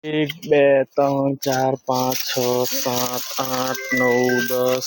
એક બે ત્રણ ચાર પાંચ છ સાત આઠ નવ 10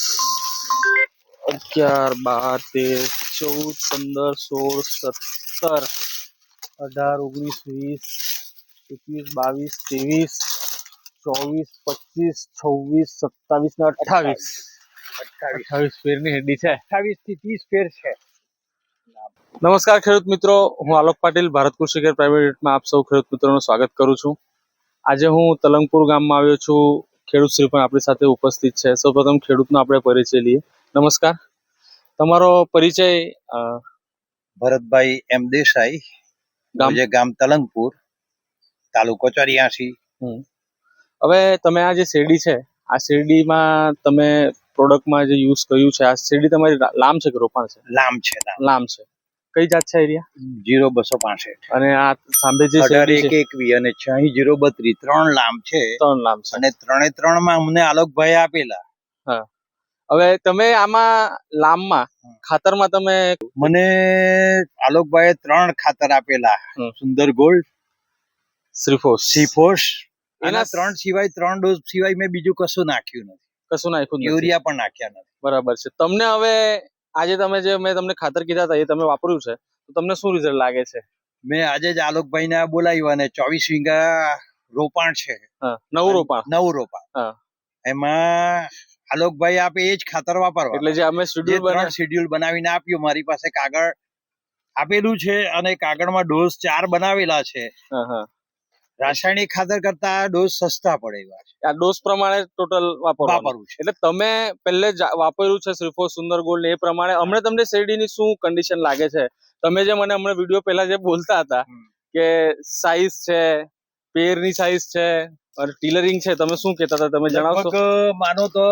11 12 13 14 15 16 17 18 19 20 21 22 23 24 25 26 27 ને 28 ફેરની હેડી છે. 28 થી 30 ફેર છે. નમસ્કાર ખેડૂત મિત્રો, હું આલોક પાટીલ ભારત કૃષિ કેર પ્રાઇવેટ લિમિટેડમાં આપ સૌ ખેડૂત મિત્રોનું સ્વાગત કરું છું. આજે હું તલંગપુર ગામમાં આવ્યો છું. ખેડૂત શ્રી પણ આપણી સાથે ઉપસ્થિત છે. સૌપ્રથમ ખેડૂતનો આપણે પરિચય લઈએ. નમસ્કાર, તમારો પરિચય? ભરતભાઈ એમ દેસાઈ, ગામ તલંગપુર, તાલુકો 84. હવે તમે આ જે શેરડી છે, આ શેરડીમાં તમે પ્રોડક્ટમાં જે યુઝ કર્યું છે, આ શેરડી તમારી લામ છે કે રોપાણ છે? લામ છે. કઈ જાત છે એરિયા? 0265. અને આ સાંભે જે 1821 અને 6032 ત્રણ લામ છે. અને ત્રણે માં અમને આલોકભાઈ આપેલા. હા, હવે તમે આમાં લામમાં ખાતરમાં તમે મને આલોકભાઈએ 3 ખાતર આપેલા. સુંદર ગોલ્ડ, શ્રીફોસ. એના 3 સિવાય 3 ડોઝ સિવાય મેં બીજું કશું નાખ્યું નથી. યુરિયા પણ નાખ્યા નથી. બરાબર છે. તમને હવે આજે તમે જે મેં તમને ખાતર કીધા હતા એ તમે વાપર્યું છે, તો તમને શું રિઝલ્ટ લાગે છે? મેં આજે જ આલોકભાઈ ને બોલાવ્યું અને 24 વીઘા રોપાણ છે. નવું રોપાણ. એમાં આલોકભાઈ આપે એ જ ખાતર વાપરવા. એટલે જે અમે શેડ્યુલ બનાવીને આપ્યું, મારી પાસે કાગળ આપેલું છે અને કાગળમાં ડોઝ 4 બનાવેલા છે. રાસાયણિક ખાતર કરતા ડોઝ સસ્તા પડે એવા છે. આ ડોઝ પ્રમાણે ટોટલ વાપરવું છે. એટલે તમે પહેલે જ વાપર્યું છે શ્રીફોસ, સુંદર ગોલ્ડ, એ પ્રમાણે હમણાં તમને શેરડીની શું કન્ડિશન લાગે છે? તમે જે મને હમણાં વિડીયો પહેલા જે બોલતા હતા કે સાઈઝ છે, પેરની સાઈઝ છે અને ટીલરિંગ છે, તમે શું કહેતા હતા? તમે જણાવશો? માનો તો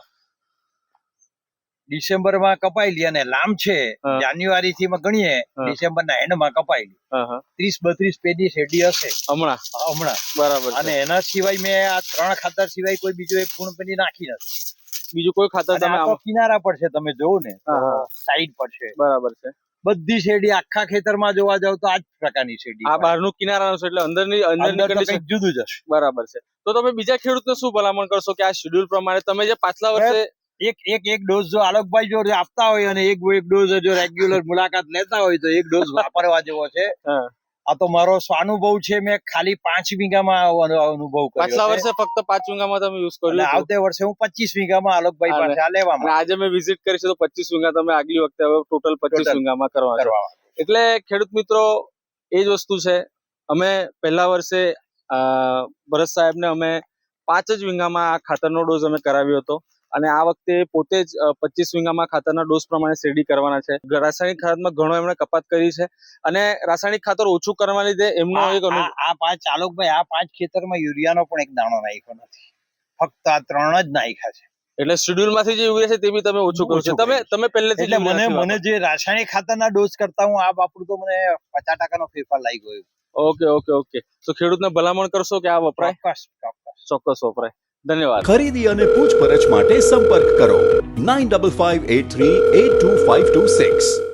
ડિસેમ્બર માં કપાયેલી અને લામ છે જાન્યુઆરી થી ગણીએ ડિસેમ્બર ના એન્ડ માં કપાયેલી. 30-32 પેજી શેરડી હશે હમણાં. બરાબર. અને એના સિવાય મેં આ 3 ખાતર સિવાય કોઈ બીજું એક ગુણપેટી નાખી નથી. બીજું કોઈ ખાતર તમે કિનારા પર છે, તમે જોવો ને સાઈડ પર છે. બરાબર છે. બધી શેરડી આખા ખેતરમાં જોવા જાવ તો આ જ પ્રકારની શેરડી. આ બહારનું કિનારાનું છે એટલે અંદરની કંઈક જુદું જ હશે. બરાબર છે. તો તમે બીજા ખેડૂતને શું ભલામણ કરશો કે આ શેડ્યુલ પ્રમાણે તમે જે પાછલા વર્ષે એક ડોઝ જો આલોકભાઈ જો આપતા હોય અને એક ડોઝ જો રેગ્યુલર મુલાકાત લેતા હોય તો એક ડોઝ વાપરવા જેવો છે. આ તો મારો સ્વાનુભવ છે. મેં ખાલી 5 વીઘામાં અનુભવ કર્યો. પાછલા વર્ષે ફક્ત 5 વીઘામાં તમે યુઝ કર્યું. આવતે વર્ષે હું 25 વીઘામાં આલોકભાઈ પાસે આ લેવામાં. આજે મેં વિઝિટ કરી છે તો 25 વીઘા તમે આગલી વખતે હવે ટોટલ 25 વીઘામાં કરવા. એટલે ખેડૂત મિત્રો એ જ વસ્તુ છે. અમે પહેલા વર્ષે ભરત સાહેબને અમે 5 જ વીઘામાં આ ખાતરનો ડોઝ અમે કરાવ્યો હતો અને આ વખતે પોતે જ 25 વીઘામાં ખાતરના ડોઝ પ્રમાણે શેરડી કરવાના છે. રાસાયણિક ખાતરમાં ઘણો એમણે કપાત કરી છે અને રાસાયણિક ખાતર ઓછું કરવા લીધે એમનો એક આ 5 આલોકભાઈ આ 5 ખેતરમાં યુરિયાનો પણ એક દાણો નાખ્યો નથી. ફક્ત આ 3 જ નાખ્યા છે. એટલે શેડ્યુલ માંથી જે યુરિયા છે તે બી તમે ઓછું કરો છો. તમે પહેલેથી એટલે મને જે રાસાયણિક ખાતરના ડોઝ કરતા હું આ વાપરું તો મને 50% નો ફેરફાર લાગી ગયો. ઓકે. તો ખેડૂતને ભલામણ કરશો કે આ વપરાય? ચોક્કસ વપરાય. ધન્યવાદ. ખરીદી અને પૂછપરછ માટે સંપર્ક કરો 9558382526.